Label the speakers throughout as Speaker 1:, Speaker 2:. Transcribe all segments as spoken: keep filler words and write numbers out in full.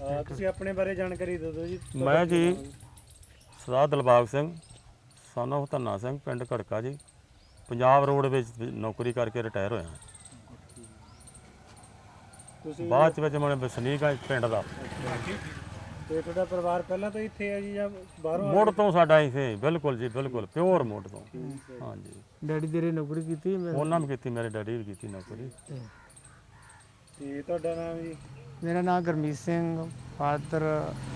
Speaker 1: ਤੁਸੀਂ ਆਪਣੇ ਬਾਰੇ ਜਾਣਕਾਰੀ ਦੇ ਦਿਓ ਜੀ।
Speaker 2: ਮੈਂ ਜੀ ਸਰਦਾਰ ਦਿਲਬਾਗ ਸਿੰਘ son of ਧੰਨਾ ਸਿੰਘ ਪਿੰਡ ਘੜਕਾ ਜੀ ਪੰਜਾਬ ਰੋਡ ਵਿੱਚ ਨੌਕਰੀ ਕਰਕੇ ਰਿਟਾਇਰ ਹੋਇਆ।
Speaker 1: ਤੁਸੀਂ
Speaker 2: ਬਾਅਦ ਵਿੱਚ ਮੈਂ ਵਸਨੀਕ ਹਾਂ ਪਿੰਡ ਦਾ।
Speaker 1: ਤੇ ਤੁਹਾਡਾ ਪਰਿਵਾਰ ਪਹਿਲਾਂ ਤੋਂ ਇੱਥੇ ਹੈ ਜੀ ਜਾਂ ਬਾਹਰੋਂ?
Speaker 2: ਮੁੱਢ ਤੋਂ ਸਾਡਾ ਇੱਥੇ ਬਿਲਕੁਲ ਜੀ ਬਿਲਕੁਲ ਪਿਓਰ ਮੁੱਢ ਤੋਂ। ਹਾਂਜੀ।
Speaker 3: ਡੈਡੀ ਤੇਰੇ ਨੌਕਰੀ ਕੀਤੀ?
Speaker 2: ਉਹਨਾਂ ਨੇ ਕੀਤੀ, ਮੇਰੇ ਡੈਡੀ ਵੀ ਕੀਤੀ ਨੌਕਰੀ।
Speaker 1: ਤੇ ਤੁਹਾਡਾ ਨਾਮ ਜੀ?
Speaker 3: ਮੇਰਾ ਨਾਮ ਗੁਰਮੀਤ ਸਿੰਘ, ਫਾਦਰ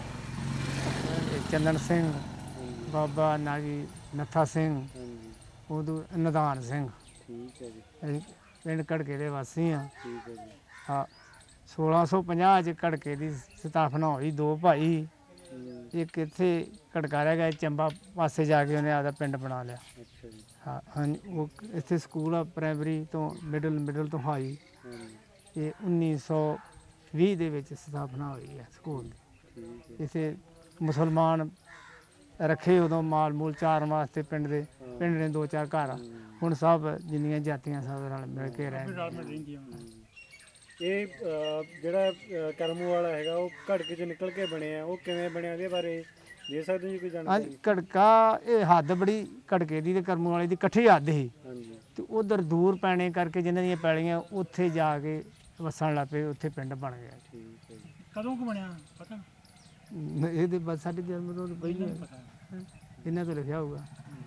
Speaker 3: ਚੰਦਨ ਸਿੰਘ, ਬਾਬਾ ਨਾਗੀ ਨੱਥਾ ਸਿੰਘ, ਉਦੋਂ ਨਿਧਾਨ ਸਿੰਘ।
Speaker 1: ਠੀਕ ਹੈ ਜੀ।
Speaker 3: ਅਸੀਂ ਪਿੰਡ ਘੜਕੇ ਦੇ ਵਾਸੀ ਹਾਂ।
Speaker 1: ਠੀਕ ਹੈ ਜੀ।
Speaker 3: ਹਾਂ, ਸੋਲਾਂ ਸੌ ਪੰਜਾਹ 'ਚ ਘੜਕੇ ਦੀ ਸਥਾਪਨਾ ਹੋਈ। ਦੋ ਭਾਈ, ਇੱਕ ਇੱਥੇ ਘੜਕਾ ਰਹਿ ਗਿਆ, ਚੰਬਾ ਪਾਸੇ ਜਾ ਕੇ ਉਹਨੇ ਆਪਦਾ ਪਿੰਡ ਬਣਾ ਲਿਆ।
Speaker 1: ਅੱਛਾ ਜੀ।
Speaker 3: ਹਾਂ ਹਾਂਜੀ, ਉਹ ਇੱਥੇ ਸਕੂਲ ਆ ਪ੍ਰਾਇਮਰੀ ਤੋਂ ਮਿਡਲ ਮਿਡਲ ਤੋਂ ਹਾਈ। ਇਹ ਉੱਨੀ ਸੌ ਵੀਹ ਦੇ ਵਿੱਚ ਸਥਾਪਨਾ ਹੋਈ ਹੈ ਸਕੂਲ ਦੀ। ਇੱਥੇ ਮੁਸਲਮਾਨ ਰੱਖੇ ਉਦੋਂ ਮਾਲ ਮੂਲ ਚਾਰਨ ਵਾਸਤੇ ਪਿੰਡ ਦੇ। ਪਿੰਡ ਨੇ ਦੋ ਚਾਰ ਘਰ ਆ, ਹੁਣ ਸਭ ਜਿੰਨੀਆਂ ਜਾਤੀਆਂ ਸਭ ਨਾਲ ਮਿਲ ਕੇ ਰਹਿੰਦੀਆਂ।
Speaker 1: ਇਹ ਜਿਹੜਾ ਕਰਮੂ ਵਾਲਾ ਹੈਗਾ ਉਹ ਘੜਕੇ 'ਚ ਨਿਕਲ ਕੇ ਬਣਿਆ, ਉਹ ਕਿਵੇਂ ਬਣਿਆ ਇਹਦੇ ਬਾਰੇ ਦੇ ਸਕਦੇ ਜੀ ਕੋਈ ਜਾਣਕਾਰੀ?
Speaker 3: ਹਾਂਜੀ, ਘੜਕਾ ਇਹ ਹੱਦ ਬੜੀ ਘੜਕੇ ਦੀ ਤੇ ਕਰਮੂ ਵਾਲੇ ਦੀ ਇਕੱਠੀ ਹੱਦ ਸੀ।
Speaker 1: ਹਾਂਜੀ। ਤੇ
Speaker 3: ਉਧਰ ਦੂਰ ਪੈਣੇ ਕਰਕੇ ਜਿਨ੍ਹਾਂ ਦੀਆਂ ਪੈਲੀਆਂ ਉੱਥੇ ਜਾ ਕੇ ਵਸਣ ਲੱਗ ਪਏ, ਉੱਥੇ ਪਿੰਡ ਬਣ ਗਿਆ।
Speaker 1: ਠੀਕ ਹੈ ਜੀ।
Speaker 4: ਕਦੋਂ ਕੁ ਬਣਿਆ ਪਤਾ?
Speaker 3: ਇਹਦੇ ਬਸ ਸਾਡੇ ਜਨਮ ਤੋਂ ਪਹਿਲਾਂ ਇਹਨਾਂ ਤੋਂ ਲਿਖਿਆ ਹੋਊਗਾ।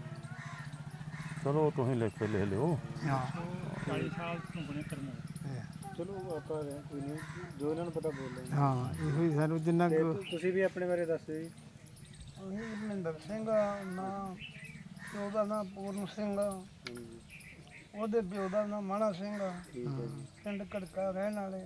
Speaker 2: ਚਲੋ ਤੁਸੀਂ ਲਿਖ ਕੇ ਲਿਖ ਲਿਓ।
Speaker 3: ਹਾਂ,
Speaker 4: ਚਾਲੀ ਸਾਲ ਤੋਂ ਬਣੇ ਕਰਮੋ।
Speaker 1: ਚਲੋ ਆਪਾਂ ਕੋਈ ਨਹੀਂ, ਜੋ ਇਹਨਾਂ ਨੂੰ ਪਤਾ ਬੋਲ ਲੈਂਦੇ।
Speaker 3: ਹਾਂ, ਇਹੋ ਹੀ ਸਾਨੂੰ ਜਿੰਨਾ ਕੁ।
Speaker 1: ਤੁਸੀਂ ਵੀ ਆਪਣੇ ਬਾਰੇ ਦੱਸ ਦਿਓ ਜੀ।
Speaker 5: ਅਸੀਂ ਮਹਿੰਦਰ ਸਿੰਘ ਨਾਂ, ਪਿਓ ਦਾ ਨਾਂ ਪੂਰਨ ਸਿੰਘ, ਉਹਦੇ ਪਿਓ ਦਾ ਨਾਂ ਮਾਣਾ ਸਿੰਘ। ਪਿੰਡ ਘੜਕਾ ਰਹਿਣ ਵਾਲੇ।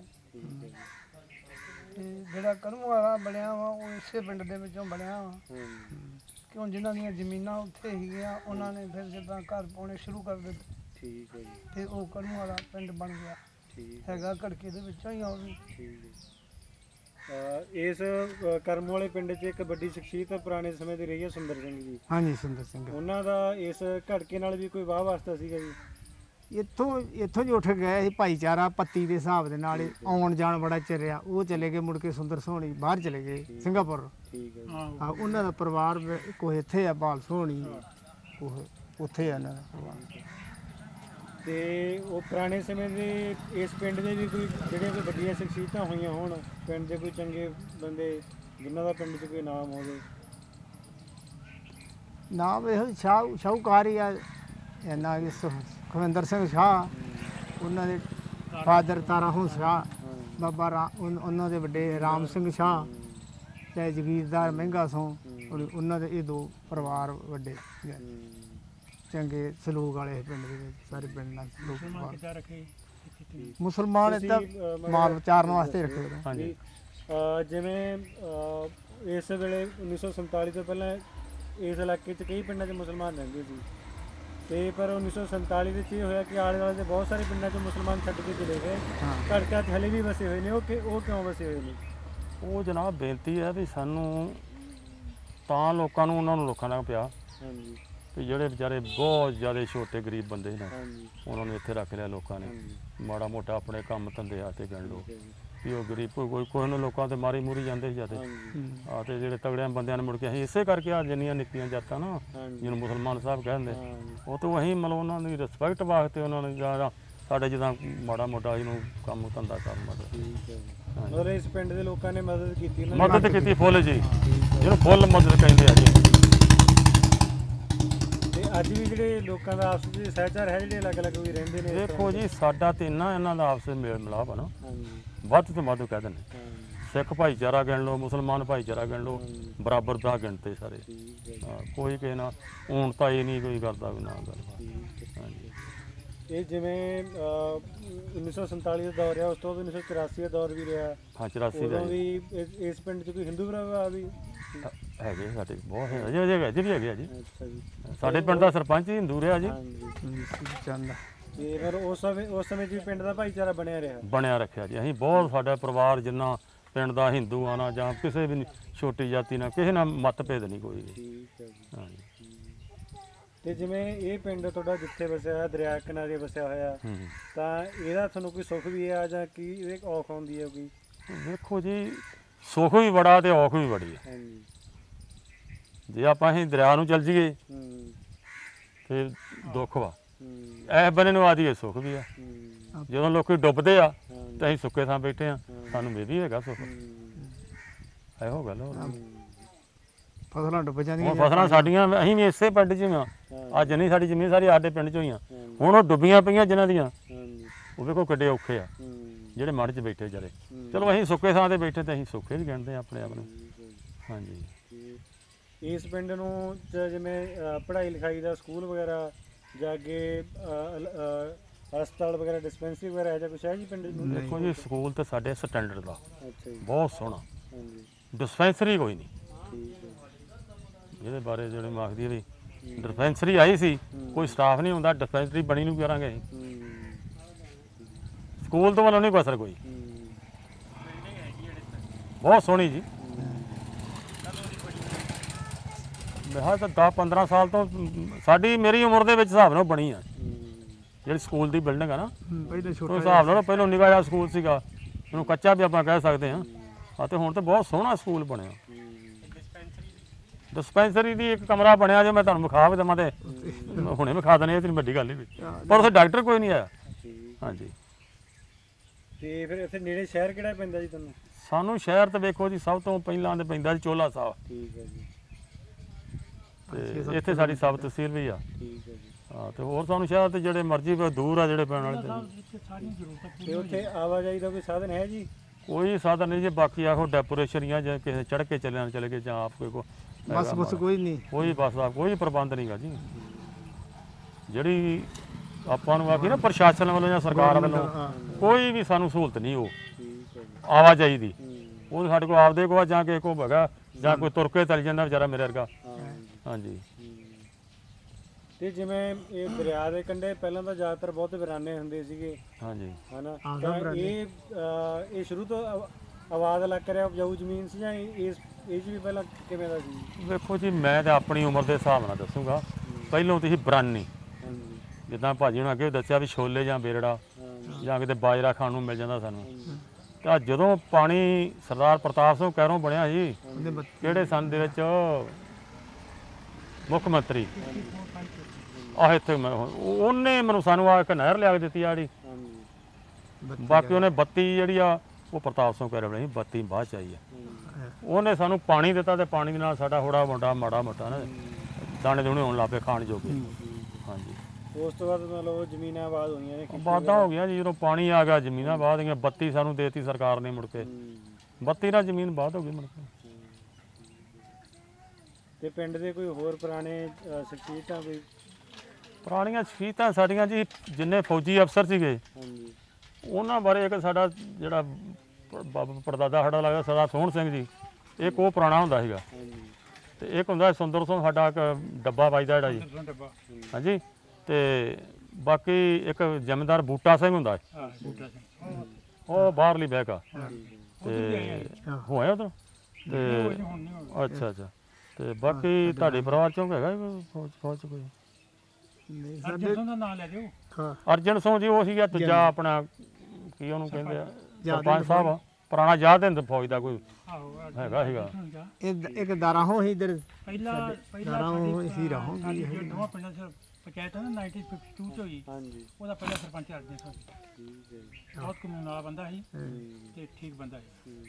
Speaker 5: ਤੇ ਜਿਹੜਾ ਕਰਮੂ ਵਾਲਾ ਬਣਿਆ ਵਾ ਉਹ ਇਸੇ ਪਿੰਡ ਦੇ ਵਿੱਚੋਂ ਬਣਿਆ ਵਾ। ਕਿਉਂ ਜਿਨ੍ਹਾਂ ਦੀਆਂ ਜ਼ਮੀਨਾਂ ਉੱਥੇ ਸੀਗੀਆਂ ਉਹਨਾਂ ਨੇ ਫਿਰ ਜਿੱਦਾਂ ਘਰ ਪਾਉਣੇ ਸ਼ੁਰੂ ਕਰ ਦਿੱਤੇ।
Speaker 1: ਠੀਕ ਹੈ ਜੀ।
Speaker 5: ਤੇ ਉਹ ਕਰਮੂ ਵਾਲਾ ਪਿੰਡ ਬਣ ਗਿਆ।
Speaker 1: ਠੀਕ
Speaker 5: ਹੈਗਾ ਘੜਕੇ ਦੇ ਵਿੱਚੋਂ ਹੀ ਆ ਉਹ ਵੀ।
Speaker 1: ਠੀਕ ਹੈ। ਇਸ ਕਰਮ ਵਾਲੇ ਪਿੰਡ 'ਚ ਇੱਕ ਵੱਡੀ ਸ਼ਖਸੀਅਤ ਪੁਰਾਣੇ ਸਮੇਂ ਦੀ ਰਹੀ ਹੈ, ਸੁੰਦਰ ਸਿੰਘ ਜੀ।
Speaker 3: ਹਾਂਜੀ, ਸੁੰਦਰ ਸਿੰਘ।
Speaker 1: ਉਹਨਾਂ ਦਾ ਇਸ ਘੜਕੇ ਨਾਲ ਵੀ ਕੋਈ ਵਾਹ ਵਾਸਤਾ ਸੀਗਾ ਜੀ?
Speaker 3: ਇੱਥੋਂ ਇੱਥੋਂ ਜੋ ਉੱਠ ਗਏ ਸੀ ਭਾਈਚਾਰਾ ਪੱਤੀ ਦੇ ਹਿਸਾਬ ਦੇ ਨਾਲ ਆਉਣ ਜਾਣ ਬੜਾ ਚੱਲਿਆ। ਉਹ ਚਲੇ ਗਏ, ਮੁੜ ਕੇ ਸੁੰਦਰ ਸੋਹਣੀ ਬਾਹਰ ਚਲੇ ਗਏ ਸਿੰਗਾਪੁਰ।
Speaker 1: ਠੀਕ ਹੈ।
Speaker 3: ਹਾਂ, ਉਹਨਾਂ ਦਾ ਪਰਿਵਾਰ ਕੋਈ ਇੱਥੇ ਆ, ਬਾਲ ਸੋਹਣੀ ਉਹ ਉੱਥੇ ਆ ਉਹਨਾਂ ਦਾ ਪਰਿਵਾਰ।
Speaker 1: ਤੇ ਉਹ ਪੁਰਾਣੇ ਸਮੇਂ ਦੇ ਇਸ ਪਿੰਡ ਦੇ ਵੀ ਕੋਈ ਜਿਹੜੀਆਂ ਕੋਈ ਵੱਡੀਆਂ ਸ਼ਖਸੀਅਤਾਂ ਹੋਈਆਂ ਹੋਣ ਪਿੰਡ ਦੇ, ਕੋਈ ਚੰਗੇ ਬੰਦੇ ਜਿਨ੍ਹਾਂ ਦਾ ਪਿੰਡ 'ਚ ਕੋਈ ਨਾਮ ਹੋਵੇ?
Speaker 3: ਨਾਮ ਇਹੋ ਸ਼ਾਹ ਸ਼ਾਹੂਕਾਰ ਹੀ ਆ। ਇਹਨਾਂ ਕਿ ਖਵਿੰਦਰ ਸਿੰਘ ਸ਼ਾਹ, ਉਹਨਾਂ ਦੇ ਫਾਦਰ ਤਾਰਾ ਹੁਸੈਨ ਸ਼ਾਹ, ਬਾਬਾ ਰਾ ਉਹਨਾਂ ਦੇ ਵੱਡੇ ਰਾਮ ਸਿੰਘ ਸ਼ਾਹ, ਤੇ ਜਗੀਰਦਾਰ ਮਹਿੰਗਾ ਸੋਂ, ਉਹਨਾਂ ਦੇ ਇਹ ਦੋ ਪਰਿਵਾਰ ਵੱਡੇ ਚੰਗੇ ਸਲੂਕ ਵਾਲੇ ਪਿੰਡ ਦੇ ਵਿੱਚ। ਸਾਰੇ ਪਿੰਡ ਨਾਲ ਸਲੂਕ
Speaker 4: ਕਿੱਦਾਂ ਰੱਖੇ?
Speaker 3: ਮੁਸਲਮਾਨ ਤਾਂ ਮਾਲ ਚਾਰਨ ਵਾਸਤੇ ਰੱਖੇ।
Speaker 2: ਹਾਂਜੀ।
Speaker 1: ਜਿਵੇਂ ਇਸ ਵੇਲੇ ਉੱਨੀ ਸੌ ਸੰਤਾਲੀ ਤੋਂ ਪਹਿਲਾਂ ਇਸ ਇਲਾਕੇ 'ਚ ਕਈ ਪਿੰਡਾਂ 'ਚ ਮੁਸਲਮਾਨ ਰਹਿੰਦੇ ਸੀ, ਤੇ ਪਰ ਉੱਨੀ ਸੌ ਸੰਤਾਲੀ ਵਿੱਚ ਇਹ ਹੋਇਆ ਕਿ ਆਲੇ ਦੁਆਲੇ ਦੇ ਬਹੁਤ ਸਾਰੇ ਪਿੰਡਾਂ 'ਚ ਮੁਸਲਮਾਨ ਛੱਡ ਕੇ ਚਲੇ ਗਏ। ਘੜਕਾ 'ਚ ਹਲੇ ਵੀ ਵਸੇ ਹੋਏ ਨੇ। ਉਹ ਕਿ ਉਹ ਕਿਉਂ ਵਸੇ ਹੋਏ ਨੇ?
Speaker 2: ਉਹ ਜਨਾਬ ਬੇਨਤੀ ਹੈ ਵੀ ਸਾਨੂੰ ਤਾਂ ਲੋਕਾਂ ਨੂੰ ਉਹਨਾਂ ਨੂੰ ਲੋਕਾਂ ਦਾ ਪਿਆ।
Speaker 1: ਹਾਂਜੀ।
Speaker 2: ਵੀ ਜਿਹੜੇ ਵਿਚਾਰੇ ਬਹੁਤ ਜ਼ਿਆਦਾ ਛੋਟੇ ਗਰੀਬ ਬੰਦੇ ਨੇ
Speaker 1: ਹਾਂਜੀ।
Speaker 2: ਉਹਨਾਂ ਨੂੰ ਇੱਥੇ ਰੱਖ ਲਿਆ ਲੋਕਾਂ ਨੇ। ਮਾੜਾ ਮੋਟਾ ਆਪਣੇ ਕੰਮ ਧੰਦੇ ਆ ਤੇ ਗਣ ਲਓ ਵੀ ਉਹ ਗਰੀਬ ਕੋਈ ਕੋਈ ਨੂੰ ਲੋਕਾਂ ਤੇ ਮਾਰੀ ਮੂਰੀ ਜਾਂਦੇ ਸੀ ਜਿਆਦਾ। ਆ ਤੇ ਜਿਹੜੇ ਤਗੜਿਆਂ ਬੰਦਿਆਂ ਨੇ ਮੁੜ ਕੇ ਅਸੀਂ ਇਸੇ ਕਰਕੇ ਆ ਜਿੰਨੀਆਂ ਨਿੱਕੀਆਂ ਜਾਤਾਂ ਨਾ ਜਿਹਨੂੰ ਮੁਸਲਮਾਨ ਸਾਹਿਬ ਕਹਿੰਦੇ, ਉਹ ਤੋਂ ਅਸੀਂ ਮਤਲਬ ਉਹਨਾਂ ਦੀ ਰਿਸਪੈਕਟ ਵਾਸਤੇ ਉਹਨਾਂ ਨੂੰ ਜਾਂ ਸਾਡੇ ਜਿੱਦਾਂ ਮਾੜਾ ਮੋਟਾ ਇਹਨੂੰ ਕੰਮ ਧੰਦਾ ਕਰਨ ਮਦਦ।
Speaker 1: ਠੀਕ ਹੈ। ਮਤਲਬ ਇਸ ਪਿੰਡ ਦੇ ਲੋਕਾਂ ਨੇ ਮਦਦ ਕੀਤੀ?
Speaker 2: ਮਦਦ ਕੀਤੀ ਫੁੱਲ ਜੀ, ਜਿਹਨੂੰ ਫੁੱਲ ਮਦਦ ਕਹਿੰਦੇ ਆ ਜੀ।
Speaker 1: ਤੇ ਅੱਜ ਵੀ ਜਿਹੜੇ ਲੋਕਾਂ ਦਾ ਆਪਸ ਵਿੱਚ ਸਹਿਚਾਰ ਹੈ, ਜਿਹੜੇ ਅਲੱਗ-ਅਲੱਗ ਵੀ ਰਹਿੰਦੇ ਨੇ?
Speaker 2: ਦੇਖੋ ਜੀ, ਸਾਡਾ ਤੇ ਇੰਨਾ ਇਹਨਾਂ ਦਾ ਆਪਸ ਵਿੱਚ ਮੇਲ ਮਿਲਾਪ ਆ ਨਾ, ਵੱਧ ਤੋਂ ਵੱਧ ਕਹਿ ਦਿੰਦੇ। ਸਿੱਖ ਭਾਈਚਾਰਾ ਗਿਣ ਲਓ, ਮੁਸਲਮਾਨ ਭਾਈਚਾਰਾ ਗਿਣ ਲਓ, ਬਰਾਬਰ ਦਾ ਗਿਣਤੇ ਸਾਰੇ। ਹਾਂ, ਕੋਈ ਕਿਸੇ ਨਾਲ ਹੁਣ ਤਾਂ ਇਹ ਨਹੀਂ ਕੋਈ ਕਰਦਾ ਵੀ ਨਾ ਗੱਲਬਾਤ। ਹਾਂਜੀ।
Speaker 1: ਇਹ ਜਿਵੇਂ ਉੱਨੀ ਸੌ ਸੰਤਾਲੀ ਦਾ ਦੌਰ ਰਿਹਾ, ਉਸ ਤੋਂ ਬਾਅਦ ਉੱਨੀ ਸੌ ਚੁਰਾਸੀ ਦਾ ਦੌਰ ਵੀ ਰਿਹਾ।
Speaker 2: ਹਾਂ, ਚੁਰਾਸੀ ਦਾ
Speaker 1: ਵੀ ਇਸ ਪਿੰਡ 'ਚ ਕੋਈ ਹਿੰਦੂ ਭਰਾ ਵੀ
Speaker 2: ਹੈਗੇ ਸਾਡੇ ਬਹੁਤ ਹੈ ਅਜੇ ਅਜੇ ਅਜੇ ਵੀ ਹੈਗੇ ਆ ਜੀ।
Speaker 1: ਅੱਛਾ ਜੀ।
Speaker 2: ਸਾਡੇ ਪਿੰਡ ਦਾ ਸਰਪੰਚ ਹੀ ਹਿੰਦੂ ਰਿਹਾ ਜੀ।
Speaker 3: ਚੰਦ
Speaker 1: ਤੇ ਫਿਰ ਉਸ ਸਮੇਂ ਉਸ ਸਮੇਂ 'ਚ ਵੀ ਪਿੰਡ ਦਾ ਭਾਈਚਾਰਾ ਬਣਿਆ ਰਿਹਾ?
Speaker 2: ਬਣਿਆ ਰੱਖਿਆ ਜੀ। ਅਸੀਂ ਬਹੁਤ, ਸਾਡਾ ਪਰਿਵਾਰ ਜਿੰਨਾ ਪਿੰਡ ਦਾ ਹਿੰਦੂ ਆਣਾ ਜਾਂ ਕਿਸੇ ਵੀ ਛੋਟੀ ਜਾਤੀ ਨਾਲ ਕਿਸੇ ਨਾਲ ਮਤਭੇਦ ਨਹੀਂ ਕੋਈ।
Speaker 1: ਠੀਕ ਹੈ ਜੀ।
Speaker 2: ਹਾਂਜੀ।
Speaker 1: ਤੇ ਜਿਵੇਂ ਇਹ ਪਿੰਡ ਤੁਹਾਡਾ ਜਿੱਥੇ ਵਸਿਆ ਹੋਇਆ, ਦਰਿਆ ਕਿਨਾਰੇ ਵਸਿਆ ਹੋਇਆ, ਤਾਂ ਇਹਦਾ ਤੁਹਾਨੂੰ ਕੋਈ ਸੁੱਖ ਵੀ ਆ ਜਾਂ ਕੀ ਇਹ ਔਖ ਆਉਂਦੀ ਹੈ ਕੋਈ?
Speaker 2: ਵੇਖੋ ਜੀ, ਸੁੱਖ ਵੀ ਬੜਾ ਤੇ ਔਖ ਵੀ ਬੜੀ ਹੈ।
Speaker 1: ਹਾਂਜੀ
Speaker 2: ਜੇ ਆਪਾਂ ਅਸੀਂ ਦਰਿਆ ਨੂੰ ਚੱਲ ਜਾਈਏ
Speaker 1: ਹੂੰ
Speaker 2: ਤੇ ਦੁੱਖ ਵਾ,
Speaker 1: ਹੂੰ
Speaker 2: ਇਸ ਬੰਨੇ ਨੂੰ ਆ ਜਾਈਏ ਸੁੱਖ ਵੀ ਆ।
Speaker 1: ਹੂੰ
Speaker 2: ਜਦੋਂ ਲੋਕੀ ਡੁੱਬਦੇ ਆ
Speaker 1: ਹਾਂਜੀ,
Speaker 2: ਤੇ ਅਸੀਂ ਸੁੱਕੇ ਥਾਂ ਬੈਠੇ ਆ, ਸਾਨੂੰ ਇਹ ਵੀ ਹੈਗਾ ਸੁੱਖ।
Speaker 1: ਹੂੰ,
Speaker 2: ਇਹੋ ਗੱਲ ਹੋਰ ਕੀ।
Speaker 3: ਫਸਲਾਂ ਡੁੱਬ
Speaker 2: ਹੁਣ
Speaker 3: ਜਾਂਦੀਆਂ
Speaker 2: ਫਸਲਾਂ ਸਾਡੀਆਂ ਅਸੀਂ ਵੀ ਇਸੇ ਪਿੰਡ 'ਚ ਹੀ ਆ। ਅੱਜ ਨਹੀਂ ਸਾਡੀ ਜ਼ਮੀਨ ਸਾਰੀ ਸਾਡੇ ਪਿੰਡ 'ਚੋਂ ਹੀ ਆ। ਹੁਣ ਉਹ ਡੁੱਬੀਆਂ ਪਈਆਂ ਜਿਨ੍ਹਾਂ ਦੀਆਂ,
Speaker 1: ਹਾਂਜੀ
Speaker 2: ਉਹ ਵੇਖੋ ਕਿੱਡੇ ਔਖੇ ਆ
Speaker 1: ਹੂੰ
Speaker 2: ਜਿਹੜੇ ਮੜ 'ਚ ਬੈਠੇ ਵਿਚਾਰੇ।
Speaker 1: ਹੂੰ।
Speaker 2: ਚਲੋ ਅਸੀਂ ਸੁੱਕੇ ਥਾਂ ਤੇ ਬੈਠੇ ਤੇ ਅਸੀਂ ਸੁੱਕੇ ਹੀ ਗਿਣਦੇ ਆ ਆਪਣੇ ਆਪ ਨੂੰ। ਹਾਂਜੀ
Speaker 1: ਤੇ ਇਸ ਪਿੰਡ ਨੂੰ ਚ ਜਿਵੇਂ ਅ, ਪੜ੍ਹਾਈ ਲਿਖਾਈ ਦਾ ਸਕੂਲ ਵਗੈਰਾ ਜਾਂ ਅੱਗੇ ਅ, ਅਲ- ਅ, ਹਸਪਤਾਲ ਵਗੈਰਾ ਡਿਸਪੈਂਸਰੀ ਵਗੈਰਾ ਹੈ ਜਾਂ ਕੁਛ ਹੈ ਜੀ ਪਿੰਡ ਨੂੰ?
Speaker 2: ਦੇਖੋ ਜੀ ਸਕੂਲ ਤੇ ਸਾਡੇ ਸਟੈਂਡਰਡ ਦਾ
Speaker 1: ਅੱਛਾ ਜੀ
Speaker 2: ਬਹੁਤ ਸੋਹਣਾ,
Speaker 1: ਹਾਂਜੀ
Speaker 2: ਡਿਸਪੈਂਸਰੀ ਕੋਈ ਨਹੀਂ।
Speaker 1: ਠੀਕ ਹੈ
Speaker 2: ਇਹਦੇ ਬਾਰੇ ਜਿਹੜੇ ਮਾਖਦੀ ਵੀ ਡਿਸਪੈਂਸਰੀ ਆਈ ਸੀ, ਕੋਈ ਸਟਾਫ ਨਹੀਂ ਹੁੰਦਾ, ਡਿਸਪੈਂਸਰੀ ਬਣੀ ਨੂੰ ਕਰਾਂਗੇ ਅਸੀਂ।
Speaker 1: ਹੂੰ
Speaker 2: ਸਕੂਲ ਤੋਂ ਵੱਲੋਂ ਨਹੀਂ ਕੋਈ ਅਸਰ ਕੋਈ।
Speaker 1: ਹੂੰ
Speaker 2: ਬਹੁਤ ਸੋਹਣੀ ਜੀ। ਮੈਂ ਕਿਹਾ ਤਾਂ ਦਸ ਪੰਦਰਾਂ ਸਾਲ ਤੋਂ ਅਮ, ਸਾਡੀ ਮੇਰੀ ਉਮਰ ਦੇ ਵਿੱਚ ਹਿਸਾਬ ਨਾਲ ਬਣੀ ਆ
Speaker 1: ਹੂੰ
Speaker 2: ਜਿਹੜੀ ਸਕੂਲ ਦੀ ਬਿਲਡਿੰਗ ਆ ਨਾ।
Speaker 3: ਪਹਿਲੇ
Speaker 2: ਉਸ
Speaker 3: ਛੋਟਾ
Speaker 2: ਹਿਸਾਬ ਨਾਲ ਪਹਿਲਾਂ ਨਿੱਕਾ ਜਿਹਾ ਸਕੂਲ ਸੀਗਾ, ਉਹਨੂੰ ਕੱਚਾ ਵੀ ਆਪਾਂ ਕਹਿ ਸਕਦੇ ਹਾਂ। ਆ ਤੇ ਹੁਣ ਤੇ ਬਹੁਤ ਸੋਹਣਾ ਸਕੂਲ ਬਣਿਆ। ਡਿਸਪੈਂਸਰੀ ਦੀ ਇੱਕ ਕਮਰਾ ਬਣਿਆ, ਜੇ ਮੈਂ ਤੁਹਾਨੂੰ ਵਿਖਾ ਵੀ ਦੇਵਾਂ ਤੇ ਹੁਣੇ ਵਿਖਾ ਦਨੇ, ਇਹ ਤੇ ਵੱਡੀ ਗੱਲ ਨਹੀਂ, ਪਰ ਉੱਥੇ ਡਾਕਟਰ ਕੋਈ ਨਹੀਂ ਆਇਆ।
Speaker 1: ਠੀਕ।
Speaker 2: ਹਾਂਜੀ
Speaker 1: ਤੇ ਫਿਰ ਇੱਥੇ ਨੇੜੇ ਸ਼ਹਿਰ ਕਿਹੜਾ ਪੈਂਦਾ ਜੀ ਤੁਹਾਨੂੰ?
Speaker 2: ਸਾਨੂੰ ਸ਼ਹਿਰ ਤੇ ਵੇਖੋ ਜੀ, ਸਭ ਤੋਂ ਪਹਿਲਾਂ ਤੇ ਪੈਂਦਾ ਜੀ ਚੋਲਾ ਸਾਹਿਬ,
Speaker 1: ਠੀਕ ਹੈ ਜੀ
Speaker 2: ਤੇ ਇੱਥੇ ਸਾਡੀ ਸਬ ਤਹਿਸੀਲ ਵੀ ਆ।
Speaker 1: ਠੀਕ ਹੈ ਜੀ।
Speaker 2: ਹਾਂ ਤੇ ਹੋਰ ਸਾਨੂੰ ਸ਼ਹਿਰ ਤੇ ਜਿਹੜੇ ਮਰਜ਼ੀ ਵੀ ਦੂਰ ਆ ਜਿਹੜੇ ਪੈਣ ਵਾਲੇ ਤੇ
Speaker 4: ਇੱਥੇ ਸਾਰੀਆਂ ਜ਼ਰੂਰਤਾਂ
Speaker 1: ਤੇ
Speaker 4: ਪੂਰੀਆਂ
Speaker 1: ਉੱਥੇ ਆਵਾਜਾਈ ਦਾ ਕੋਈ ਸਾਧਨ ਹੈ ਜੀ?
Speaker 2: ਕੋਈ ਸਾਧਨ ਨਹੀਂ ਜੀ। ਬਾਕੀ ਆਖੋ ਡੈਪੋਰੇਸ਼ਨ ਜਾਂ ਜੇ ਕਿਸੇ ਚੜ੍ਹ ਕੇ ਚੱਲਿਆ ਚਲੇ ਗਏ ਜਾਂ ਆਪ ਕੋਈ ਕੋ
Speaker 3: ਬਸ ਬਸ ਕੋਈ ਨਹੀਂ
Speaker 2: ਕੋਈ ਬੱਸ ਦਾ ਕੋਈ ਪ੍ਰਬੰਧ ਨਹੀਂਗਾ ਜੀ। ਜਿਹੜੀ ਆਪਾਂ ਨੂੰ ਆਖੀ ਨਾ ਪ੍ਰਸ਼ਾਸਨ ਵੱਲੋਂ ਜਾਂ ਸਰਕਾਰ ਵੱਲੋਂ ਕੋਈ ਵੀ ਸਾਨੂੰ ਸਹੂਲਤ ਨਹੀਂ ਉਹ
Speaker 1: ਠੀਕ ਹੈ ਜੀ।
Speaker 2: ਆਵਾਜਾਈ ਦੀ।
Speaker 1: ਹੂੰ
Speaker 2: ਉਹ ਸਾਡੇ ਕੋਲ ਆਪਦੇ ਕੋਲ ਆ ਜਾਂ ਕਿਸੇ ਕੋਲ ਹੈਗਾ, ਜਾਂ ਕੋਈ ਤੁਰ ਕੇ ਚੱਲ ਜਾਂਦਾ ਵਿਚਾਰਾ ਮੇਰੇ ਵਰਗਾ।
Speaker 1: ਹਾਂ
Speaker 2: ਹਾਂਜੀ
Speaker 1: ਤੇ ਜਿਵੇਂ ਇਹ ਦਰਿਆ ਦੇ ਕੰਢੇ ਪਹਿਲਾਂ ਤਾਂ ਜ਼ਿਆਦਾਤਰ ਬਹੁਤ ਵਿਰਾਨੇ ਹੁੰਦੇ ਸੀਗੇ
Speaker 2: ਹਾਂਜੀ
Speaker 1: ਹਨਾ,
Speaker 3: ਹਾਂ,
Speaker 1: ਤਾਂ
Speaker 3: ਵਿਰਾਨੇ।
Speaker 1: ਇਹ ਅ, ਇਹ ਸ਼ੁਰੂ ਤੋਂ ਆਵਾ- ਆਵਾਜ਼ ਲੱਗ ਰਿਹਾ ਉਪਜਾਊ ਜ਼ਮੀਨ ਸੀ ਜਾਂ ਇਹ- ਇਸ ਇਹ 'ਚ ਵੀ ਪਹਿਲਾਂ ਕਿਵੇਂ ਦਾ ਸੀ?
Speaker 2: ਵੇਖੋ ਜੀ, ਮੈਂ ਤਾਂ ਆਪਣੀ ਉਮਰ ਦੇ ਹਿਸਾਬ ਨਾਲ ਦੱਸੂਗਾ। ਪਹਿਲੋਂ ਤੁਸੀਂ ਬਰਾਨੀ,
Speaker 1: ਹਾਂਜੀ
Speaker 2: ਜਿੱਦਾਂ ਭਾਜੀ ਨੂੰ ਅੱਗੇ ਦੱਸਿਆ ਵੀ ਛੋਲੇ ਜਾਂ ਬੇਰੜਾ
Speaker 1: ਹਾਂ
Speaker 2: ਜਾਂ ਕਿਤੇ ਬਾਜਰਾ ਖਾਣ ਨੂੰ ਮਿਲ ਜਾਂਦਾ ਸਾਨੂੰ। ਤਾਂ ਜਦੋਂ ਪਾਣੀ ਸਰਦਾਰ ਪ੍ਰਤਾਪ ਸਿੰਘ ਕਹਿਰੋਂ ਬਣਿਆ ਜੀ,
Speaker 3: ਉਹਦੇ ਬੱਚੇ
Speaker 2: ਕਿਹੜੇ ਸੰਨ ਦੇ ਵਿੱਚ ਮੁੱਖ ਮੰਤਰੀ ਆਹ ਇੱਥੇ ਮੈਂ- ਉਹ- ਉਹਨੇ ਮੈਨੂੰ ਸਾਨੂੰ ਆ ਇੱਕ ਨਹਿਰ ਲਿਆ ਕੇ ਦਿੱਤੀ ਆ ਜਿਹੜੀ।
Speaker 1: ਹਾਂਜੀ
Speaker 3: ਬੱਚੇ
Speaker 2: ਬਾਕੀ ਉਹਨੇ ਬੱਤੀ ਜਿਹੜੀ ਆ ਉਹ ਪ੍ਰਤਾਪ ਸਿੰਘ ਕਹਿਰੋਂ ਬਣੀ, ਬੱਤੀ ਬਾਅਦ ਚ ਆਈ ਆ। ਉਹਨੇ ਸਾਨੂੰ ਪਾਣੀ ਦਿੱਤਾ ਤੇ ਪਾਣੀ ਦੇ ਨਾਲ ਸਾਡਾ ਥੋੜਾ ਮੋਟਾ ਮਾੜਾ ਮੋਟਾ ਨਾ ਦਾਣੇ ਦੂਣੇ ਹੋਣ ਲੱਗ ਪਏ ਖਾਣ ਜੋਗੇ। ਹਾਂਜੀ
Speaker 1: ਉਸ ਤੋਂ ਬਾਅਦ ਮਤਲਬ ਜ਼ਮੀਨਾਂ ਆਬਾਦ ਹੋਈਆਂ ਨੇ ਖੇਤੀ
Speaker 2: ਵਾਧਾ ਹੋ ਗਿਆ ਜੀ, ਜਦੋਂ ਪਾਣੀ ਆ ਗਿਆ ਜ਼ਮੀਨਾਂ ਬਾਅਦ ਗਈਆਂ। ਬੱਤੀ ਸਾਨੂੰ ਦੇਤੀ ਸਰਕਾਰ ਨੇ ਮੁੜ ਕੇ,
Speaker 1: ਹੂੰ।
Speaker 2: ਬੱਤੀ ਨਾਲ ਜ਼ਮੀਨ ਬਾਅਦ ਹੋ ਗਈ ਮੁੜ ਕੇ।
Speaker 1: ਤੇ ਪਿੰਡ ਦੇ ਕੋਈ ਹੋਰ ਪੁਰਾਣੇ ਅ, ਸ਼ਖਸੀਅਤਾਂ ਕੋਈ?
Speaker 2: ਪੁਰਾਣੀਆਂ ਸ਼ਖਸੀਅਤਾਂ ਸਾਡੀਆਂ ਜੀ, ਜਿੰਨੇ ਫੌਜੀ ਅਫਸਰ ਸੀਗੇ
Speaker 1: ਹਾਂਜੀ
Speaker 2: ਉਹਨਾਂ ਬਾਰੇ ਇੱਕ ਸਾਡਾ ਜਿਹੜਾ ਪ- ਬਾਬਾ ਪੜਦਾਦਾ ਸਾਡਾ ਲੱਗਦਾ ਸਰਦਾਰ ਸੋਹਣ ਸਿੰਘ ਜੀ, ਇੱਕ ਉਹ ਪੁਰਾਣਾ ਹੁੰਦਾ ਸੀਗਾ।
Speaker 1: ਹਾਂਜੀ
Speaker 2: ਤੇ ਇੱਕ ਹੁੰਦਾ ਸੁੰਦਰ ਸਿੰਘ ਸਾਡਾ ਇੱਕ ਡੱਬਾ ਵੱਜਦਾ ਜਿਹੜਾ ਜੀ।
Speaker 4: ਡੱਬਾ
Speaker 2: ਹਾਂਜੀ ਤੇ ਬਾਕੀ ਇੱਕ ਜ਼ਮੀਂਦਾਰ ਬੂਟਾ ਸਿੰਘ ਹੁੰਦਾ ਸੀ,
Speaker 4: ਹਾਂ ਬੂਟਾ ਸਿੰਘ
Speaker 2: ਉਹ ਬਾਹਰਲੀ ਬਹਿਕ ਆ।
Speaker 1: ਠੀਕ ਹੈ।
Speaker 2: ਤੇ ਹੋਇਆ ਉਧਰ ਤੇ
Speaker 4: ਹੁਣ ਨਹੀਂ ਹੋਣਾ।
Speaker 2: ਅੱਛਾ ਅੱਛਾ। ਤੇ ਬਾਕੀ ਤੁਹਾਡੇ ਪਰਿਵਾਰ ਚੋਂ ਹੈਗਾ ਕੋਈ ਫੌਜ ਫੌਜ 'ਚ ਕੋਈ?
Speaker 3: ਨਹੀਂ
Speaker 4: ਸਾਡੇ ਦਾ ਨਾਂ ਲੈ ਦਿਓ।
Speaker 3: ਹਾਂ
Speaker 2: ਅਰਜਨ ਸਿੰਘ ਜੀ ਉਹ ਸੀਗਾ ਦੂਜਾ ਆਪਣਾ, ਕੀ ਉਹਨੂੰ ਕਹਿੰਦੇ ਆ,
Speaker 3: ਯਾਦਵਿੰਦ
Speaker 2: ਸਰਪੰਚ ਸਾਹਿਬ ਆ, ਪੁਰਾਣਾ ਯਾਦਵਿੰਦ ਫੌਜ ਦਾ ਕੋਈ
Speaker 4: ਆਹੋ ਆਹ
Speaker 2: ਹੈਗਾ ਸੀਗਾ।
Speaker 4: ਸੁਣ ਜਾ।
Speaker 3: ਇਹ ਇੱਕ ਦਾਰਾ ਹੋ ਇਧਰ
Speaker 4: ਪਹਿਲਾ ਪਹਿਲਾ
Speaker 3: ਦਾਰਾ ਉਹ
Speaker 4: ਸਾਡੀ,
Speaker 3: ਹੀ ਰਹੋ
Speaker 4: ਸਾਡੀ ਜੋ ਦੋਵਾਂ ਪਿੰਡਾਂ 'ਚ ਪੰਚਾਇਤ ਹੈ ਨਾ ਉੱਨੀ ਸੌ ਬਾवन ਚ ਹੋਈ,
Speaker 1: ਹਾਂਜੀ
Speaker 4: ਉਹਦਾ ਪਹਿਲਾ ਸਰਪੰਚ ਅਰਜਨ ਸਿੰਘ ਸੀ।
Speaker 1: ਠੀਕ ਹੈ ਜੀ।
Speaker 4: ਬਹੁਤ ਕਾਨੂੰਨ ਵਾਲਾ ਬੰਦਾ ਸੀ
Speaker 1: ਹੂੰ,
Speaker 4: ਤੇ ਠੀਕ ਬੰਦਾ ਸੀ।
Speaker 1: ਹੂੰ।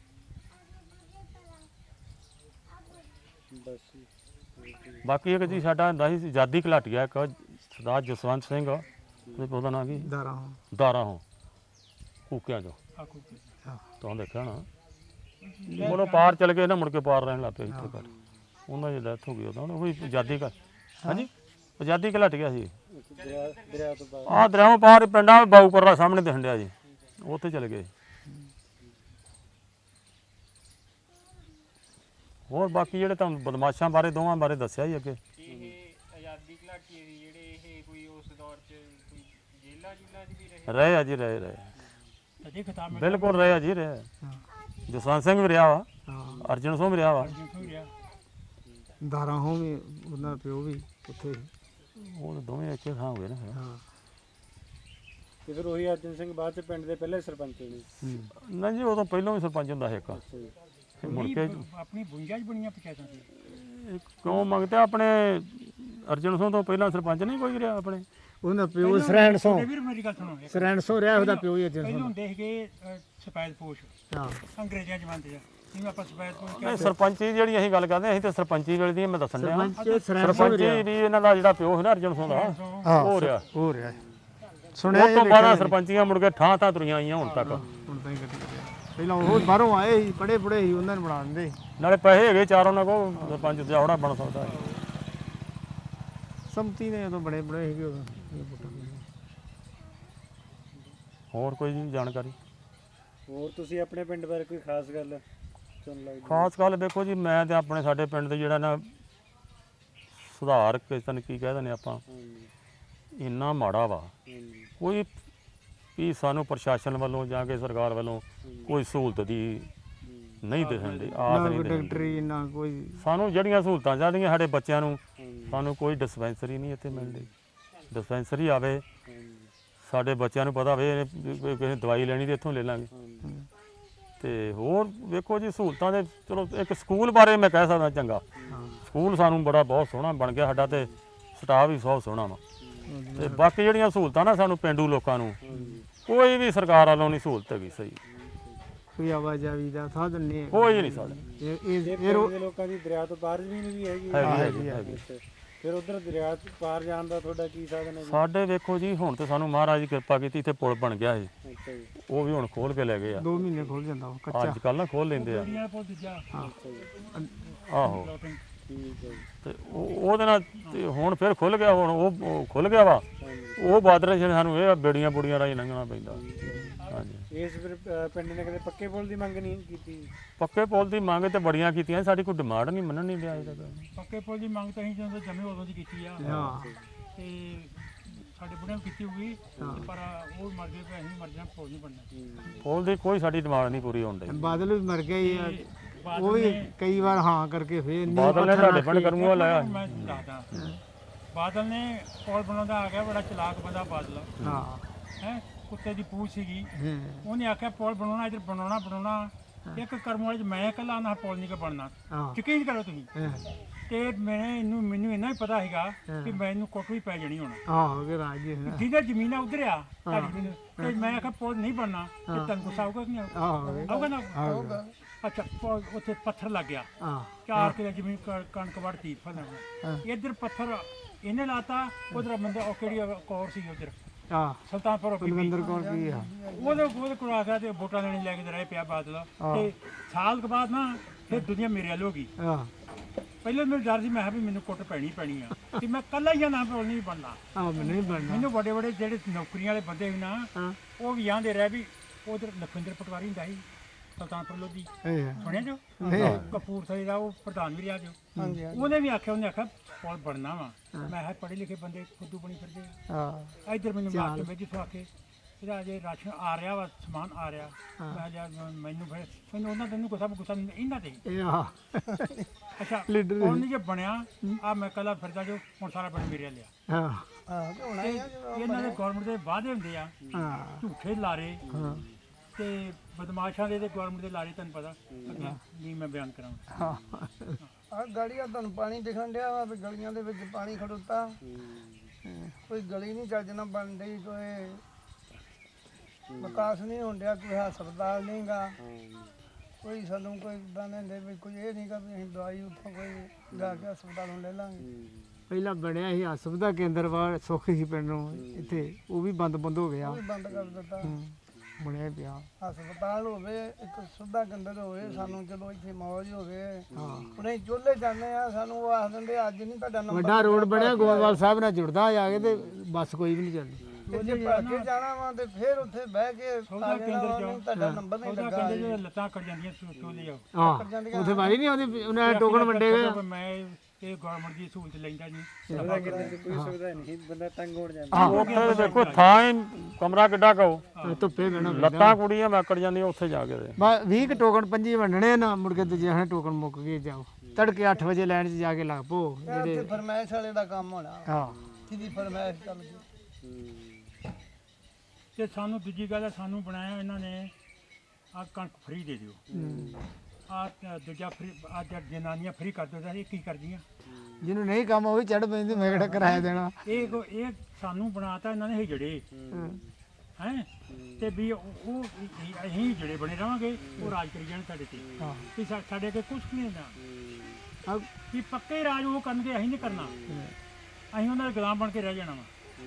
Speaker 1: ਬਸ ਜੀ।
Speaker 2: ਬਾਕੀ ਇੱਕ ਜੀ ਸਾਡਾ ਹੁੰਦਾ ਸੀ ਆਜ਼ਾਦੀ ਘਲਾਟੀਆ ਇੱਕ ਸਰਦਾਰ ਜਸਵੰਤ ਸਿੰਘ, ਉਹਦੇ ਉਹਦਾ ਨਾਂ ਕੀ,
Speaker 3: ਦਾਰਾ ਹੋ
Speaker 2: ਦਾਰਾ ਹੋ ਕੂਕਿਆਂ ਚੋਂ,
Speaker 4: ਆਕੂ
Speaker 2: ਤੁਹਾਨੂੰ ਦੇਖਿਆ ਨਾ। ਬੋਲੋ ਪਾਰ ਚਲ ਗਏ ਨਾ, ਮੁੜ ਕੇ ਪਾਰ ਰਹਿਣ ਲੱਗ ਪਏ ਇੱਥੇ ਕਰ। ਉਹਨਾਂ ਦੀ ਡੈਥ ਹੋ ਗਈ ਉਦੋਂ, ਉਹ ਵੀ ਆਜ਼ਾਦੀ ਘ ਹਾਂਜੀ ਆਜ਼ਾਦੀ ਘਲਾਟੀਆ ਸੀ।
Speaker 1: ਇੱਕ ਦਰਿਆ ਦਰਿਆ ਤੋਂ ਬਾਅਦ
Speaker 2: ਆਹ ਦਰਿਆਵਾਂ ਪਾਰ ਪਿੰਡਾਂ ਬਾਊਪੁਰ ਦਾ ਸਾਹਮਣੇ ਦਿਖਣ ਡਿਆ ਜੀ, ਉੱਥੇ ਚਲੇ ਗਏ। ਹੋਰ ਬਾਕੀ ਜਿਹੜੇ ਤੁਹਾਨੂੰ ਬਦਮਾਸ਼ਾਂ ਬਾਰੇ ਦੋਵਾਂ ਬਾਰੇ ਦੱਸਿਆ ਹੀ ਅੱਗੇ।
Speaker 6: ਇਹ ਆਜ਼ਾਦੀ ਘਲਾਟੀਏ ਦੀ ਜਿਹੜੇ ਇਹ ਕੋਈ ਉਸ ਦੌਰ 'ਚ ਕੋਈ ਜੇਲਾਂ ਜੁਲਾਂ 'ਚ ਵੀ ਰਹੇ?
Speaker 2: ਰਹੇ ਆ ਜੀ, ਰਹੇ ਰਹੇ
Speaker 4: ਅਜੇ ਖਿਤਾਬ ਮਿਲ
Speaker 2: ਬਿਲਕੁਲ ਰਹੇ ਆ ਜੀ, ਰਹੇ। ਜਸਵੰਤ ਸਿੰਘ ਵੀ ਰਿਹਾ ਵਾ,
Speaker 3: ਹਾਂ
Speaker 2: ਅਰਜਨ ਸਿੰਘ ਵੀ ਰਿਹਾ ਵਾ।
Speaker 4: ਹੋ ਗਿਆ।
Speaker 3: ਦਾਰਾ ਹੋ ਵੀ ਉਹਨਾਂ ਪਿਓ ਵੀ ਉੱਥੇ
Speaker 2: ਉਹ ਤਾਂ ਦੋਵੇਂ ਇੱਕੇ ਥਾਂ ਹੋ ਗਏ ਨਾ ਫਿਰ।
Speaker 3: ਹਾਂ
Speaker 1: ਤੇ ਫਿਰ ਉਹੀ ਅਰਜਨ ਸਿੰਘ ਬਾਅਦ ਚ ਪਿੰਡ ਦੇ ਪਹਿਲੇ ਸਰਪੰਚ ਨੇ?
Speaker 3: ਹੂੰ।
Speaker 2: ਨਹੀਂ ਜੀ, ਉਦੋਂ ਪਹਿਲਾਂ ਵੀ ਸਰਪੰਚ ਹੁੰਦਾ ਸੀ ਇੱਕ।
Speaker 1: ਅੱਛਾ ਜੀ।
Speaker 2: ਤੇ ਮੁੜ
Speaker 4: ਨਹੀਂ,
Speaker 2: ਕੇ
Speaker 4: ਬ- ਆਪਣੀ ਬੁੰਜਾਂ 'ਚ ਬਣੀਆਂ ਪੰਚਾਇਤਾਂ ਸੀ।
Speaker 2: ਇਹ ਕਿਉਂ ਮੰਗਦੇ ਆ? ਆਪਣੇ ਅਰਜਨ ਸਿੰਘ ਤੋਂ ਪਹਿਲਾਂ ਸਰਪੰਚ ਨਹੀਂ ਕੋਈ ਰਿਹਾ ਆਪਣੇ?
Speaker 3: ਉਹਦਾ ਪਿਓ ਸਰੈਣ ਸੋਂ
Speaker 4: ਤੁਹਾਡੇ ਵੀਰ ਮੇਰੀ ਗੱਲ ਸੁਣੋ ਇੱਕ।
Speaker 3: ਸਰੈਣ ਸੋਂ ਰਿਹਾ ਉਹਦਾ ਪਿਓ ਹੀ ਅਰਜਨ
Speaker 4: ਪਹਿਲਾਂ
Speaker 3: ਸਿੰਘ
Speaker 4: ਹੁੰਦੇ ਸੀਗੇ ਅ, ਸਫੈਦ ਪੋਸ਼
Speaker 3: ਹਾਂ
Speaker 4: ਅੰਗਰੇਜ਼ਾਂ ਜ਼ਮਾਨੇ 'ਚ, ਜਿਵੇਂ ਆਪਾਂ ਸਫੈਦ ਪੋਸ਼
Speaker 2: ਨਹੀਂ,
Speaker 4: ਕਹਿੰਦੇ
Speaker 2: ਸਰਪੰਚੀ ਜਿਹੜੀ ਅਸੀਂ ਗੱਲ ਕਰਦੇ ਹਾਂ, ਅਸੀਂ ਤੇ ਸਰਪੰਚੀ ਵੇਲੇ ਦੀ ਮੈਂ ਦੱਸਣ ਡਿਆ
Speaker 3: ਸਰਪੰਚ ਸਰੈਣ ਸੋਂ
Speaker 2: ਸਰਪੰਚੀ ਵੀ ਇਹਨਾਂ ਦਾ ਜਿਹੜਾ ਪਿਓ ਹੈ ਨਾ ਅਰਜਨ ਸਿੰਘ ਦਾ
Speaker 3: ਹਾਂ
Speaker 2: ਹੋ ਰਿਹਾ।
Speaker 3: ਹੋ ਰਿਹਾ ਸੁਣਿਆ
Speaker 2: ਉਹ ਤੋਂ ਬਾਅਦ ਸਰਪੰਚੀਆਂ ਮੁੜ ਕੇ ਠਾਂ ਠਾਂ ਤੁਰੀਆਂ ਆਈਆਂ ਹੁਣ ਤੱਕ।
Speaker 3: ਹੁਣ ਤਾਂ ਹੀ ਕੱਢੀ ਗਿਆ। ਪਹਿਲਾਂ ਉਹ ਬਾਹਰੋਂ ਆਏ ਸੀ ਪੜੇ ਪੜੇ ਸੀ ਉਹਨਾਂ ਨੂੰ ਬਣਾ ਦਿੰਦੇ
Speaker 2: ਨਾਲੇ ਪੈਸੇ ਹੈਗੇ ਚਾਰ ਉਹਨਾਂ ਕੋਲ, ਸਰਪੰਚ ਜਾਵੜਾ ਬਣ ਸਕਦਾ ਹੈ।
Speaker 3: ਸੰਮਤੀ ਨੇ ਉਦੋਂ ਬੜੇ ਬੜੇ ਸੀਗੇ ਉਦੋਂ ਇਹ ਵੋਟਾਂ ਦੇ।
Speaker 2: ਹੋਰ ਕੋਈ ਜੀ ਜਾਣਕਾਰੀ?
Speaker 1: ਹੋਰ ਤੁਸੀਂ ਆਪਣੇ ਪਿੰਡ ਬਾਰੇ ਕੋਈ ਖਾਸ ਗੱਲ ਚੁਣ ਲੱਗਦੀ?
Speaker 2: ਖਾਸ ਗੱਲ ਦੇਖੋ ਜੀ, ਮੈਂ ਤੇ ਆਪਣੇ ਸਾਡੇ ਪਿੰਡ ਦੇ ਜਿਹੜਾ ਨਾ ਸੁਧਾਰ ਕਿਸ ਤਰ੍ਹਾਂ ਕੀ ਕਹਿ ਦਿੰਦੇ ਆਪਾਂ,
Speaker 1: ਹਾਂਜੀ
Speaker 2: ਇੰਨਾ ਮਾੜਾ ਵਾ।
Speaker 1: ਹਾਂਜੀ
Speaker 2: ਕੋਈ ਵੀ ਸਾਨੂੰ ਪ੍ਰਸ਼ਾਸਨ ਵੱਲੋਂ ਜਾਂ ਕਿ ਸਰਕਾਰ ਵੱਲੋਂ ਕੋਈ ਸਹੂਲਤ ਦੀ ਨਹੀਂ ਦਿਖਣ ਦੀ ਆਸ
Speaker 3: ਨਾ
Speaker 2: ਨਹੀਂ
Speaker 3: ਕੋਈ
Speaker 2: ਦਿਖਣ
Speaker 3: ਡਾਕਟਰੀ ਨਾ ਕੋਈ
Speaker 2: ਸਾਨੂੰ ਜਿਹੜੀਆਂ ਸਹੂਲਤਾਂ ਚਾਹੀਦੀਆਂ ਸਾਡੇ ਬੱਚਿਆਂ ਨੂੰ,
Speaker 1: ਹਾਂਜੀ
Speaker 2: ਸਾਨੂੰ ਕੋਈ ਡਿਸਪੈਂਸਰੀ ਨਹੀਂ ਇੱਥੇ ਮਿਲਦੀ। ਡਿਸਪੈਂਸਰੀ ਆਵੇ,
Speaker 1: ਹਾਂਜੀ
Speaker 2: ਸਾਡੇ ਬੱਚਿਆਂ ਨੂੰ ਪਤਾ ਹੋਵੇ ਵੀ ਕਿਸੇ ਨੇ ਦਵਾਈ ਲੈਣੀ ਤੇ ਇੱਥੋਂ ਲੈ ਲਾਂਗੇ।
Speaker 1: ਹਾਂਜੀ
Speaker 2: ਤੇ ਹੋਰ ਵੇਖੋ ਜੀ ਸਹੂਲਤਾਂ ਦੇ ਚਲੋ ਇੱਕ ਸਕੂਲ ਬਾਰੇ ਮੈਂ ਕਹਿ ਸਕਦਾ ਚੰਗਾ, ਸਕੂਲ ਸਾਨੂੰ ਬੜਾ ਬਹੁਤ ਸੋਹਣਾ ਬਣ ਗਿਆ ਸਾਡਾ, ਤੇ ਸਟਾਫ ਵੀ ਬਹੁਤ ਸੋਹਣਾ ਵਾ। ਤੇ ਬਾਕੀ ਜਿਹੜੀਆਂ ਸਹੂਲਤਾਂ ਨਾ ਸਾਨੂੰ ਪਿੰਡੂ ਲੋਕਾਂ ਨੂੰ ਕੋਈ ਵੀ ਸਰਕਾਰ ਵੱਲੋਂ ਨਹੀਂ ਸਹੂਲਤ ਹੈਗੀ ਸਹੀ,
Speaker 3: ਕੋਈ ਆਵਾਜਾਈ ਦਾ ਸਾਧਨ ਨਹੀਂ ਹੈ।
Speaker 2: ਕੋਈ ਨਹੀਂ ਸਾਡੇ
Speaker 3: ਇਹ
Speaker 1: ਤੇ
Speaker 3: ਇਹ ਇਹ
Speaker 1: ਪਿੰਡ
Speaker 3: ਰੋ-
Speaker 1: ਦੇ ਲੋਕਾਂ ਦੀ ਦਰਿਆ ਤੋਂ ਪਾਰ ਜ਼ਮੀਨ ਵੀ ਹੈਗੀ ਹੈ?
Speaker 2: ਹੈਗੀ ਹੈਗੀ ਹੈਗੀ।
Speaker 1: ਅੱਛਾ। ਫਿਰ ਉਧਰ ਦਰਿਆ ਤੋਂ ਪਾਰ ਜਾਣ ਦਾ ਤੁਹਾਡਾ ਕੀ ਸਾਧਨ ਹੈ ਜੀ?
Speaker 2: ਸਾਡੇ ਵੇਖੋ ਜੀ ਹੁਣ ਤੇ ਸਾਨੂੰ ਮਹਾਰਾਜ ਦੀ ਕਿਰਪਾ ਕੀਤੀ, ਇੱਥੇ ਪੁਲ ਬਣ ਗਿਆ ਸੀ,
Speaker 1: ਅੱਛਾ ਜੀ
Speaker 2: ਉਹ ਵੀ ਹੁਣ ਖੋਲ ਕੇ ਲੈ ਗਏ ਆ।
Speaker 3: ਦੋ ਮਹੀਨੇ ਖੁੱਲ ਜਾਂਦਾ ਉਹ ਕੱਚਾ
Speaker 2: ਅੱਜ ਕੱਲ ਨਾ ਖੋਲ ਲੈਂਦੇ ਆ।
Speaker 4: ਕੁੜੀਆਂ ਕੋਲ ਦੂਜਾ
Speaker 1: ਅੱਛਾ ਜੀ
Speaker 2: ਆਹੋ
Speaker 4: ਲੋਟਿੰਗ
Speaker 1: ਠੀਕ ਹੈ ਜੀ
Speaker 2: ਤੇ ਉਹ ਉਹਦੇ ਨਾਲ ਤੇ ਹੁਣ ਫਿਰ ਖੁੱਲ ਗਿਆ, ਹੁਣ ਉਹ ਉਹ ਖੁੱਲ ਗਿਆ ਵਾ।
Speaker 1: ਹਾਂਜੀ
Speaker 2: ਉਹ ਬਾਦਰੇ ਚ ਸਾਨੂੰ ਇਹ ਬੇੜੀਆਂ ਬੁੜੀਆਂ ਰਾਹੀਂ ਲੰਘਣਾ ਪੈਂਦਾ। ਹਾਂਜੀ,
Speaker 1: ਇਸ ਫਿਰ ਅ, ਪਿੰਡ ਨੇ ਕਦੇ ਪੱਕੇ ਪੁਲ ਦੀ ਮੰਗ ਨਹੀਂ ਕੀਤੀ?
Speaker 2: ਪੱਕੇ ਪੁਲ ਦੀ ਮੰਗ ਤੇ ਬੜੀਆਂ ਕੀਤੀਆਂ, ਸਾਡੀ ਕੋਈ ਡਿਮਾਂਡ ਨਹੀਂ ਮੰਨਣ ਨਹੀਂ ਦਿਆ ਅਜੇ ਤੱਕ।
Speaker 4: ਪੱਕੇ ਪੁੱਲ ਦੀ ਮੰਗ ਤਾਂ ਅਸੀਂ ਜਦੋਂ ਜੰਮੇ ਉਦੋਂ ਦੀ ਕੀਤੀ ਆ,
Speaker 3: ਹਾਂ
Speaker 4: ਤੇ ਸਾਡੇ ਬੁੜਿਆਂ ਨੇ ਕੀਤੀ ਹੋਊਗੀ, ਤੇ ਪਰ ਉਹ ਮਰ ਗਏ ਪਏ, ਅਸੀਂ ਮਰ ਜਾਣਾ, ਪੁੱਲ ਨਹੀਂ ਬਣਨਾ।
Speaker 2: ਪੁਲ ਦੀ ਕੋਈ ਸਾਡੀ ਡਿਮਾਂਡ ਨਹੀਂ ਪੂਰੀ ਹੋਣ ਡਈ।
Speaker 3: ਬਾਦਲ ਵੀ ਮਰ ਗਏ ਆ।
Speaker 4: ਤੇ
Speaker 3: ਉਹ
Speaker 4: ਬਾਦਲ
Speaker 3: ਵੀ
Speaker 4: ਨੇ
Speaker 3: ਕਈ ਵਾਰ ਹਾਂ ਕਰਕੇ ਫੇਰ ਨਹੀਂ
Speaker 2: ਬਾਦਲ ਨੇ ਤੁਹਾਡੇ ਪਿੰਡ ਕਰਮੂਆ ਲਾਇਆ।
Speaker 4: ਮੈਂ ਦੱਸਦਾ, ਬਾਦਲ ਨੇ ਪੁੱਲ ਬਣਾਉਂਦਾ ਆ ਗਿਆ, ਬੜਾ ਚਲਾਕ ਬੰਦਾ ਬਾਦਲ
Speaker 3: ਹਾਂ
Speaker 4: ਹੈ, ਕੁੱਤੇ ਦੀ ਪੂਛ ਸੀਗੀ।
Speaker 3: ਹੂੰ।
Speaker 4: ਉਹਨੇ ਆਖਿਆ ਪੁੱਲ ਬਣਾਉਣਾ, ਇੱਧਰ ਬਣਾਉਣਾ ਬਣਾਉਣਾ ਇੱਕ ਕਰਮ ਵਾਲੇ 'ਚ ਮੈਂ ਇਕੱਲਾ ਨਾ ਪੁੱਲ ਨਹੀਂ ਕਿ ਬਣਨਾ,
Speaker 3: ਹਾਂ
Speaker 4: ਯਕੀਨ ਕਰੋ ਤੁਸੀਂ।
Speaker 3: ਹਾਂ
Speaker 4: ਤੇ ਮੈਂ ਇਹਨੂੰ ਮੈਨੂੰ ਇੰਨਾ ਹੀ ਪਤਾ ਹੈਗਾ ਕਿ ਮੈਨੂੰ ਕੁੱਟ ਵੀ ਪੈ ਜਾਣੀ ਹੁਣ,
Speaker 3: ਆਹੋ ਕਿ ਰਾਜ ਜੀ ਹਾਂ।
Speaker 4: ਜਿਹਦਾ ਜ਼ਮੀਨ ਆ ਉਧਰ ਆ ਤੁਹਾਡੀ ਜ਼ਮੀਨ, ਤੇ ਮੈਂ ਆਖਿਆ ਪੁੱਲ ਨਹੀਂ ਬਣਨਾ, ਤੇ ਤੈਨੂੰ ਗੁੱਸਾ ਆਊਗਾ ਕਿ ਨਹੀਂ ਆਊਗਾ?
Speaker 3: ਆਹੋ
Speaker 4: ਆਊਗਾ ਨਾ?
Speaker 3: ਆਹੋ
Speaker 4: ਅੱਛਾ, ਪੁੱਲ ਉੱਥੇ ਪੱਥਰ ਲੱਗ ਗਿਆ,
Speaker 3: ਹਾਂ
Speaker 4: ਚਾਰ ਕਿਲੇ ਜ਼ਮੀਨ ਕ- ਕਣਕ ਵੜਤੀ ਫਸਲ, ਇੱਧਰ ਪੱਥਰ ਇਹਨੇ ਲਾਤਾ, ਉਧਰ ਬੰਦਾ ਉਹ ਕਿਹੜੀ ਕੌਰ ਸੀ ਉਧਰ
Speaker 3: ਹਾਂ
Speaker 4: ਸੁਲਤਾਨਪੁਰ ਬੀਬੀ,
Speaker 3: ਕੁਲਵਿੰਦਰ ਕੌਰ ਕੀ ਆ
Speaker 4: ਉਹਦੇ ਉਹਦੇ ਕੋਲ ਆ ਗਿਆ ਤੇ ਵੋਟਾਂ ਲੈਣ ਲੈ ਕੇ ਰਹਿ ਪਿਆ ਬਾਦਲ, ਤੇ ਸਾਲ ਕੁ ਬਾਅਦ ਨਾ ਫਿਰ ਦੁਨੀਆ ਮੇਰੇ ਵੱਲ ਹੋ ਗਈ।
Speaker 3: ਹਾਂ
Speaker 4: ਪਹਿਲੇ ਮੈਨੂੰ ਡਰ ਸੀ, ਮੈਂ ਕਿਹਾ ਵੀ ਮੈਨੂੰ ਕੁੱਟ ਪੈਣੀ ਪੈਣੀ ਆ, ਤੇ ਮੈਂ ਕੱਲਾ ਹੀ ਆ, ਨਾ ਪੁੱਲ ਨਹੀਂ ਬਣਨਾ।
Speaker 3: ਆਹ ਮੈਨੂੰ ਨਹੀਂ ਬਣਨਾ
Speaker 4: ਮੈਨੂੰ ਵੱਡੇ ਵੱਡੇ ਜਿਹੜੇ ਨੌਕਰੀਆਂ ਵਾਲੇ ਬੰਦੇ ਸੀ ਨਾ,
Speaker 3: ਹਾਂ
Speaker 4: ਉਹ ਵੀ ਆਂਦੇ ਰਹਿ ਵੀ ਉਧਰ ਲਖਵਿੰਦਰ ਪਟਵਾਰੀ ਹੁੰਦਾ ਸੀ ਸੁਲਤਾਨਪੁਰ ਲੋਧੀ,
Speaker 3: ਇਹ
Speaker 4: ਸੁਣਿਆ ਜੋ ਕਪੂਰਥਲੇ ਦਾ ਉਹ ਪ੍ਰਧਾਨ ਵੀ ਰਿਹਾ ਜੋ,
Speaker 5: ਹਾਂਜੀ
Speaker 4: ਉਹਨੇ ਵੀ ਆਖਿਆ, ਉਹਨੇ ਆਖਿਆ ਪੁੱਲ ਬਣਨਾ ਵਾ। ਮੈਂ ਕਿਹਾ ਪੜ੍ਹੇ ਲਿਖੇ ਬੰਦੇ ਖੁੱਦੂ ਬਣੀ ਫਿਰਦੇ ਆ,
Speaker 3: ਹਾਂ
Speaker 4: ਇੱਧਰ ਮੈਨੂੰ ਮਾਰ ਕੇ ਬੈਠੀ ਤੋਂ ਆ ਕੇ ਇਹਦਾ ਜੇ ਰਾਸ਼ਨ ਆ ਰਿਹਾ ਵਾ, ਸਮਾਨ ਆ ਰਿਹਾ, ਮੈਂ ਕਿਹਾ ਯਾਰ ਮੈਨੂੰ ਫਿਰ ਮੈਨੂੰ ਉਹਨਾਂ ਤੈਨੂੰ ਗੁੱਸਾ ਗੁੱਸਾ ਇਹਨਾਂ ਤੇ।
Speaker 3: ਇਹ ਆ
Speaker 4: ਅੱਛਾ
Speaker 3: ਲੀਡਰ
Speaker 4: ਹੁਣ ਨਹੀਂ ਜੇ ਬਣਿਆ ਆ, ਮੈਂ ਕੱਲਾ ਫਿਰਦਾ ਜੋ, ਹੁਣ ਸਾਰਾ ਪਿੰਡ ਮੇਰੇ ਲਿਆ।
Speaker 3: ਹਾਂ
Speaker 5: ਹਾਂ ਤੇ ਹੁਣ
Speaker 4: ਤੇ ਇਹਨਾਂ ਦੇ ਗਵਰਨਮੈਂਟ ਦੇ ਵਾਅਦੇ ਹੁੰਦੇ ਆ,
Speaker 3: ਹਾਂ
Speaker 4: ਝੂਠੇ ਲਾਰੇ
Speaker 3: ਹਾਂ
Speaker 4: ਤੇ ਬਦਮਾਸ਼ਾਂ ਦੇ ਤੇ ਗਵਰਨਮੈਂਟ ਦੇ ਲਾਰੇ, ਤੁਹਾਨੂੰ ਪਤਾ ਅੱਗੇ ਨਹੀਂ ਮੈਂ ਬਿਆਨ ਕਰਾਂਗਾ।
Speaker 3: ਹਾਂ
Speaker 5: ਆ ਗਲੀਆਂ ਤੁਹਾਨੂੰ ਪਾਣੀ ਦਿਖਣ ਡਿਆ ਵਾ ਵੀ ਗਲੀਆਂ ਦੇ ਵਿੱਚ ਪਾਣੀ ਖੜੋਤਾ, ਕੋਈ ਗਲੀ ਨਹੀਂ ਚੱਜ ਨਾਲ ਬਣ ਰਹੀ, ਕੋਈ ਵਿਕਾਸ ਨਹੀਂ ਹੋਣ ਡਿਆ, ਕੋਈ ਹਸਪਤਾਲ ਨਹੀਂਗਾ, ਕੋਈ ਸਾਨੂੰ ਕੋਈ ਦਾਣੇ ਦੇ ਵੀ ਕੋਈ ਇਹ ਨਹੀਂਗਾ ਵੀ ਅਸੀਂ ਦਵਾਈ ਉੱਥੋਂ ਕੋਈ ਜਾ ਕੇ ਹਸਪਤਾਲੋਂ ਲੈ ਲਾਂਗੇ।
Speaker 3: ਪਹਿਲਾਂ ਬਣਿਆ ਸੀ ਹਸਪਤਾਲ ਕੇਂਦਰ ਵਾ ਸੁੱਖ ਸੀ ਪਿੰਡ ਨੂੰ ਇੱਥੇ, ਉਹ ਵੀ ਬੰਦ ਬੰਦ ਹੋ ਗਿਆ
Speaker 5: ਉਹ ਵੀ ਬੰਦ ਕਰ ਦਿੱਤਾ।
Speaker 3: ਹੂੰ, ਬਣਿਆ ਪਿਆ
Speaker 5: ਹਸਪਤਾਲ ਹੋਵੇ, ਇੱਕ ਸੁਵਿਧਾ ਕੇਂਦਰ ਹੋਵੇ, ਸਾਨੂੰ ਚਲੋ ਇੱਥੇ ਮੌਜ ਹੋਵੇ। ਹੁਣ ਅਸੀਂ ਚੁੱਲ੍ਹੇ ਜਾਂਦੇ ਆ, ਸਾਨੂੰ ਉਹ ਆਖ ਦਿੰਦੇ ਅੱਜ ਨਹੀਂ ਤੁਹਾਡਾ ਨੰਬਰ,
Speaker 3: ਵੱਡਾ ਰੋਡ ਬਣਿਆ ਗੋਇੰਦਵਾਲ ਸਾਹਿਬ ਨਾਲ ਜੁੜਦਾ ਜਾ ਕੇ, ਤੇ ਬੱਸ ਕੋਈ ਵੀ ਨਹੀਂ ਚੱਲਦੀ।
Speaker 5: ਤੇ ਜੇ ਭੱਜ ਕੇ ਜਾਣਾ ਵਾ ਤੇ ਫਿਰ ਉੱਥੇ ਬਹਿ ਕੇ ਆ ਜਾਣਾ ਵਾ, ਨਹੀਂ ਤੁਹਾਡਾ ਨੰਬਰ ਨਹੀਂ
Speaker 4: ਉਹਦਾ
Speaker 5: ਲੱਗਾ।
Speaker 4: ਕਹਿੰਦੇ ਜਿਹੜੇ ਲੱਤਾਂ ਕੱਟ ਜਾਂਦੀਆਂ ਸੋਚੋ ਲਿਆਓ,
Speaker 3: ਹਾਂ ਉੱਥੇ ਵਾਰੀ ਨਹੀਂ ਆਉਂਦੀ, ਉਹਨਾਂ ਨੇ ਟੋਕਨ ਵੰਡੇ ਹੋਏ ਆ।
Speaker 4: ਮੈਂ ਇਹ ਗਵਰਨਮੈਂਟ ਦੀ ਸਹੂਲਤ ਲੈਂਦਾ ਨਹੀਂ।
Speaker 1: ਸੁਵਿਧਾ ਕਿਤੇ ਕੋਈ ਸੁਵਿਧਾ ਨਹੀਂ, ਬੰਦਾ ਤੰਗ ਹੋ ਜਾਂਦਾ।
Speaker 2: ਉੱਥੇ ਦੇਖੋ ਥਾਂ ਹੀ ਕਮਰਾ ਕਿੱਡਾ ਕਹੋ,
Speaker 3: ਧੁੱਪੇ ਬਹਿਣਾ
Speaker 2: ਲੱਤਾਂ ਕੁੜੀਆਂ ਮੈਕੜ ਜਾਂਦੀਆਂ ਉੱਥੇ ਜਾ ਕੇ।
Speaker 3: ਬਸ ਵੀਹ ਕੁ ਟੋਕਨ ਪੰਜੀ ਵੰਡਣੇ ਨਾ, ਮੁੜ ਕੇ ਦੂਜੇ ਹਣੇ ਟੋਕਨ ਮੁੱਕ ਗਏ, ਜਾਓ ਤੜਕੇ ਅੱਠ ਵਜੇ ਲਾਈਨ 'ਚ ਜਾ ਕੇ ਲੱਗ ਪੋ।
Speaker 5: ਜਿਹੜੇ ਫਰਮਾਇਸ਼ ਵਾਲੇ ਦਾ ਕੰਮ ਹੋਣਾ,
Speaker 3: ਹਾਂ
Speaker 5: ਜਿਹਦੀ ਫਰਮਾਇਸ਼ ਚੱਲ ਗਈ।
Speaker 4: ਤੇ ਸਾਨੂੰ ਦੂਜੀ ਗੱਲ ਹੈ, ਸਾਨੂੰ ਬਣਾਇਆ ਇਹਨਾਂ ਨੇ ਆ ਕਣਕ ਫ੍ਰੀ ਦੇ ਦਿਓ, ਆ ਦੂਜਾ ਫਰੀ ਅੱਜ ਜਨਾਨੀਆਂ ਫਰੀ ਕਰ ਦਿੰਦਾ ਇਹ ਕੀ ਕਰਦੀਆਂ
Speaker 3: ਜਿਹਨੂੰ ਨਹੀਂ ਕੰਮ ਉਹ ਵੀ ਚੜ ਪੈਂਦੀ ਮੈਂ ਕਿਹੜਾ ਕਿਰਾਇਆ ਦੇਣਾ
Speaker 4: ਇਹ ਕੋ- ਇਹ ਸਾਨੂੰ ਬਣਾਤਾ ਇਹਨਾਂ ਨੇ ਹਿਜੜੇ ਹੈ ਤੇ ਵੀ ਉਹ ਉਹ ਇਹ- ਅਸੀਂ ਹਿਜੜੇ ਬਣੇ ਰਵਾਂਗੇ ਉਹ ਰਾਜ ਕਰੀ ਜਾਣ ਸਾਡੇ ਤੇ
Speaker 3: ਹਾਂ
Speaker 4: ਵੀ ਸਾ- ਸਾਡੇ ਅੱਗੇ ਕੁਝ ਨਹੀਂ ਹੁੰਦਾ
Speaker 3: ਆਹ
Speaker 4: ਵੀ ਪੱਕੇ ਰਾਜ ਉਹ ਕਰਨਗੇ ਅਸੀਂ ਨਹੀਂ ਕਰਨਾ ਅਸੀਂ ਉਹਨਾਂ ਦੇ ਗੁਲਾਮ ਬਣ ਕੇ ਰਹਿ ਜਾਣਾ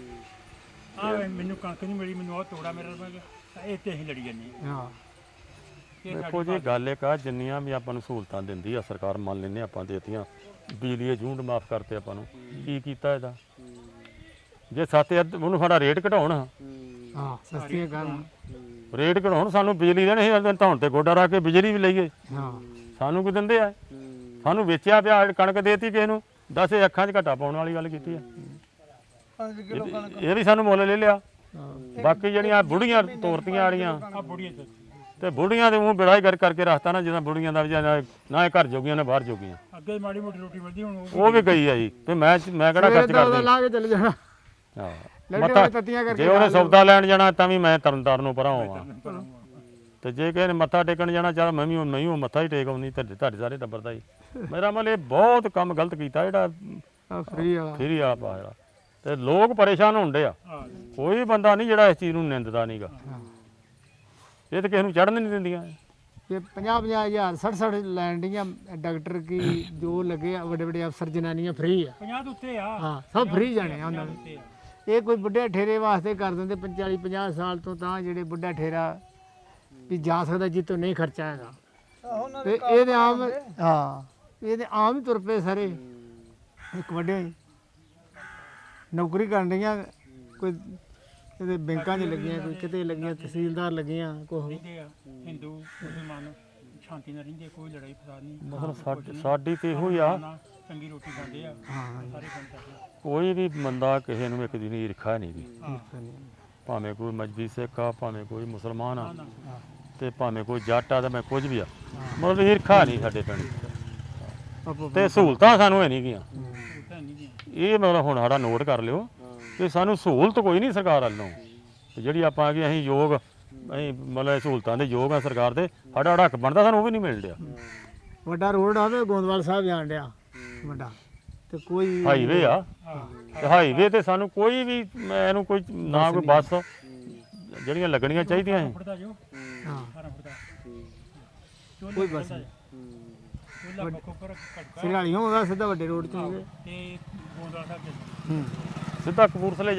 Speaker 4: ਵਾ ਆ ਮੈਨੂੰ ਕਣਕ ਨਹੀਂ ਮਿਲੀ ਮੈਨੂੰ ਉਹ ਤੋੜਾ ਮੇਰਾ ਲੱਗ ਗਿਆ ਇਹ ਤੇ ਅਸੀਂ ਲੜੀ ਜਾਂਦੇ ਹਾਂ
Speaker 3: ਹਾਂ
Speaker 4: ਇਹ
Speaker 2: ਦੇਖੋ ਜੀ ਗੱਲ ਇੱਕ ਆ ਜਿੰਨੀਆਂ ਵੀ ਆਪਾਂ ਨੂੰ ਸਹੂਲਤਾਂ ਦਿੰਦੀ ਆ ਸਰਕਾਰ ਮੰਨ ਲੈਂਦੇ ਆਪਾਂ ਦੇਤੀਆਂ ਬਿਜਲੀ ਦੇ ਝੂੰਡ ਮਾਫ ਕਰਤੇ ਆਪਾਂ ਨੂੰ ਕੀ ਕੀਤਾ ਇਹਦਾ ਜੇ ਸੱਤ ਅੱਧ ਉਹਨੂੰ ਸਾਡਾ ਰੇਟ ਘਟਾਉਣ
Speaker 3: ਹਾਂ ਸਸਤੀਆਂ ਕਰਨ
Speaker 2: ਰੇਟ ਘਟਾਉਣ ਸਾਨੂੰ ਬਿਜਲੀ ਦੇਣ ਅਸੀਂ ਧੌਣ ਤੇ ਗੋਡਾ ਰੱਖ ਕੇ ਬਿਜਲੀ ਵੀ ਲਈਏ
Speaker 3: ਹਾਂ
Speaker 2: ਸਾਨੂੰ ਕੀ ਦਿੰਦੇ ਆ ਸਾਨੂੰ ਵੇਚਿਆ ਪਿਆ ਕਣਕ ਦੇਤੀ ਕਿਸੇ ਨੂੰ ਦਸ ਇਹ ਅੱਖਾਂ 'ਚ ਘਾਟਾ ਪਾਉਣ ਵਾਲੀ ਗੱਲ ਕੀਤੀ ਆ
Speaker 5: ਪੰਜ ਕਿਲੋ ਕਣਕ
Speaker 2: ਇਹ ਵੀ ਸਾਨੂੰ ਮੁੱਲ ਲੈ ਲਿਆ
Speaker 3: ਹਾਂ
Speaker 2: ਬਾਕੀ ਜਿਹੜੀਆਂ ਬੁੜੀਆਂ ਤੋਰਤੀਆਂ ਆੜੀਆਂ
Speaker 4: ਆ ਬੁੜੀਆਂ ਤੇ
Speaker 2: ਤੇ ਬੁੜੀਆਂ ਦੇ ਮੂੰਹ ਬਿੜਾਈ ਕਰ ਕਰਕੇ ਰੱਖਤਾ ਨਾ ਜਿੱਦਾਂ ਬੁੜੀਆਂ ਦਾ ਵੀ ਜਾਂ ਨਾ ਇਹ ਘਰ ਜੋਗੀਆਂ ਨਾ ਬਾਹਰ ਜੋਗੀਆਂ
Speaker 4: ਅੱਗੇ ਮਾੜੀ ਮੋਟੀ ਰੋਟੀ ਮਿਲਦੀ ਹੁਣ ਉਹ
Speaker 2: ਉਹ ਵੀ ਗਈ ਆ ਜੀ ਤੇ ਮੈਂ ਮੈਂ ਕਿਹੜਾ ਖਰਚ
Speaker 3: ਉਹਦਾ
Speaker 2: ਕਰਦਾ
Speaker 3: ਲਾ ਕੇ ਚਲੇ ਜਾਣਾ
Speaker 2: ਹਾਂ
Speaker 3: ਲੱਡੂ
Speaker 2: ਮੱਥਾ
Speaker 3: ਤੱਤੀਆਂ ਕਰਕੇ
Speaker 2: ਜੇ ਉਹਨੇ ਸੌਦਾ ਲੈਣ ਜਾਣਾ ਤਾਂ ਵੀ ਮੈਂ ਤਰਨਤਾਰਨ ਨੂੰ ਪਰਾਂ ਹੋਵਾਂ ਤੇ ਜੇ ਕਿਸੇ ਨੇ ਮੱਥਾ ਟੇਕਣ ਜਾਣਾ ਚੱਲ ਮੈਂ ਵੀ ਮੈਂ ਵੀ ਉਹ ਮੱਥਾ ਹੀ ਟੇਕ ਆਉਂਦੀ ਤੁਹਾਡੇ ਤੁਹਾਡੇ ਸਾਰੇ ਟੱਬਰ ਦਾ ਹੀ ਮੇਰਾ ਮਤਲਬ ਇਹ ਬਹੁਤ ਕੰਮ ਗਲਤ ਕੀਤਾ ਜਿਹੜਾ
Speaker 3: ਆ ਫਰੀ ਵਾਲਾ
Speaker 2: ਫੇਰੀ ਆਪ ਆ ਜਿਹੜਾ ਤੇ ਲੋਕ ਪਰੇਸ਼ਾਨ ਹੁੰਦੇ ਆ
Speaker 4: ਹਾਂ
Speaker 2: ਕੋਈ ਬੰਦਾ ਨਹੀਂ ਜਿਹੜਾ ਇਸ ਚੀਜ਼ ਨੂੰ ਨਿੰਦਦਾ ਨਹੀਂਗਾ ਇਹ ਤਾਂ ਕਿਸੇ ਨੂੰ ਚੜ੍ਹਨ ਨਹੀਂ ਦਿੰਦੀਆਂ
Speaker 3: ਇਹ ਪੰਜਾਹ ਪੰਜਾਹ ਹਜ਼ਾਰ ਸੱਠ ਸੱਠ ਲੈਣ ਡੀਆਂ ਡਾਕਟਰ ਕੀ ਜੋ ਲੱਗੇ ਆ ਵੱਡੇ ਵੱਡੇ ਅਫਸਰ ਜਨਾਨੀਆਂ ਫ੍ਰੀ ਆ
Speaker 4: ਪੰਜਾਹ ਤੋਂ ਉੱਤੇ ਆ
Speaker 3: ਹਾਂ ਸਭ ਫ੍ਰੀ ਜਾਣੇ ਆ ਉਹਨਾਂ ਦੇ
Speaker 4: ਉੱਤੇ ਆ
Speaker 3: ਇਹ ਕੋਈ ਬੁੱਢੇ ਠੇਰੇ ਵਾਸਤੇ ਕਰ ਦਿੰਦੇ ਪੰਤਾਲੀ ਪੰਜਾਹ ਸਾਲ ਤੋਂ ਤਾਂ ਜਿਹੜੇ ਬੁੱਢਾ ਠੇਰਾ ਵੀ ਜਾ ਸਕਦਾ ਜਿੱਤੋਂ ਨਹੀਂ ਖਰਚਾ ਹੈਗਾ
Speaker 5: ਆਹੋ ਉਹਨਾਂ
Speaker 3: ਤੇ
Speaker 5: ਦੇ
Speaker 3: ਇਹਦੇ ਆਮ ਹਾਂ ਇਹਦੇ ਆਮ ਹੀ ਤੁਰ ਪਏ ਸਾਰੇ ਇੱਕ ਵੱਡੇ ਨੌਕਰੀ ਕਰਨ ਡੀਆਂ ਕੋਈ ਇਹਦੇ ਬੈਂਕਾਂ 'ਚ ਲੱਗੀਆਂ ਕੋਈ ਕਿਤੇ ਲੱਗੀਆਂ ਤਹਿਸੀਲਦਾਰ ਲੱਗੀਆਂ ਕੋਈ
Speaker 4: ਰਹਿੰਦੇ ਆ ਹਿੰਦੂ ਮੁਸਲਮਾਨ ਸ਼ਾਂਤੀ ਨਾਲ ਰਹਿੰਦੇ ਕੋਈ ਲੜਾਈ ਫਸਾਦ ਨਹੀਂ
Speaker 2: ਮਤਲਬ ਸਾਡੀ ਸਾਡੀ ਤੇ ਇਹੋ ਹੀ ਆ
Speaker 4: ਨਾ ਚੰਗੀ ਰੋਟੀ ਖਾਂਦੇ ਆ
Speaker 3: ਹਾਂ
Speaker 4: ਸਾਰੇ ਬੰਦੇ
Speaker 2: ਕੋਈ ਵੀ ਬੰਦਾ ਕਿਸੇ ਨੂੰ ਇੱਕ ਦਿਨ ਈਰਖਾ ਨਹੀਂ ਦੀ
Speaker 4: ਹਾਂ
Speaker 2: ਭਾਵੇਂ ਕੋਈ ਮਜਬੀ ਸਿੱਖ ਆ ਭਾਵੇਂ ਕੋਈ ਮੁਸਲਮਾਨ ਆ ਤੇ ਭਾਵੇਂ ਕੋਈ ਜੱਟ ਆ ਤੇ ਮੈਂ ਕੁਝ ਵੀ ਆ ਮਤਲਬ ਈਰਖਾ ਨਹੀਂ ਸਾਡੇ ਪਿੰਡ
Speaker 3: ਆਪੋ
Speaker 2: ਤੇ ਸਹੂਲਤਾਂ ਸਾਨੂੰ ਹੈ ਨਹੀਂ ਗੀਆਂ
Speaker 4: ਉੱਥੇ ਨਹੀਂ ਗਿਆ
Speaker 2: ਇਹ ਮਤਲਬ ਹੁਣ ਸਾਡਾ ਨੋਟ ਕਰ ਲਿਓ ਕਿ ਸਾਨੂੰ ਸਹੂਲਤ ਕੋਈ ਨਹੀਂ ਸਰਕਾਰ ਵੱਲੋਂ ਤੇ ਜਿਹੜੀ ਆਪਾਂ ਆ ਗਏ ਅਸੀਂ ਯੋਗ ਅਸੀਂ ਮਤਲਬ ਸਹੂਲਤਾਂ ਦੇ ਯੋਗ ਆ ਸਰਕਾਰ ਦੇ ਸਾਡਾ ਹੱਕ ਬਣਦਾ ਸਾਨੂੰ ਉਹ ਵੀ ਨਹੀਂ ਮਿਲ ਰਿਹਾ
Speaker 3: ਵੱਡਾ ਰੋਡ ਆਵੇ ਗੋਂਦਵਾਲ ਸਾਹਿਬ ਜਾਣ ਡਿਆ ਵੱਡਾ ਤੇ ਕੋਈ
Speaker 2: ਹਾਈਵੇ ਆ ਤੇ ਹਾਈਵੇ ਤੇ ਸਾਨੂੰ ਕੋਈ ਵੀ ਮੈਂ ਇਹਨੂੰ ਕੋਈ ਨਾ ਕੋਈ ਬੱਸ ਜਿਹੜੀਆਂ ਲੱਗਣੀਆਂ ਚਾਹੀਦੀਆਂ ਸੀ
Speaker 4: ਫੜਦਾ ਜੋ
Speaker 3: ਹਾਂ
Speaker 4: ਸਾਰਾ ਫੜਦਾ
Speaker 3: ਕੋਈ ਬੱਸ ਨਹੀਂ
Speaker 4: ਉਹਲਾ ਬੱਕੋ ਪਰ ਕਟਕਾ
Speaker 3: ਸਿਰਾਲੀਓਂ ਉਹਦਾ ਸਿੱਧਾ ਵੱਡੇ ਰੋਡ 'ਚ ਹੀ ਹੈ।
Speaker 4: ਤੇ ਗੋਂਦਵਾਲ ਸਾਹਿਬ ਦੇ
Speaker 3: ਹੂੰ
Speaker 2: ਸਿੱਧਾ ਕਪੂਰਥਲੇ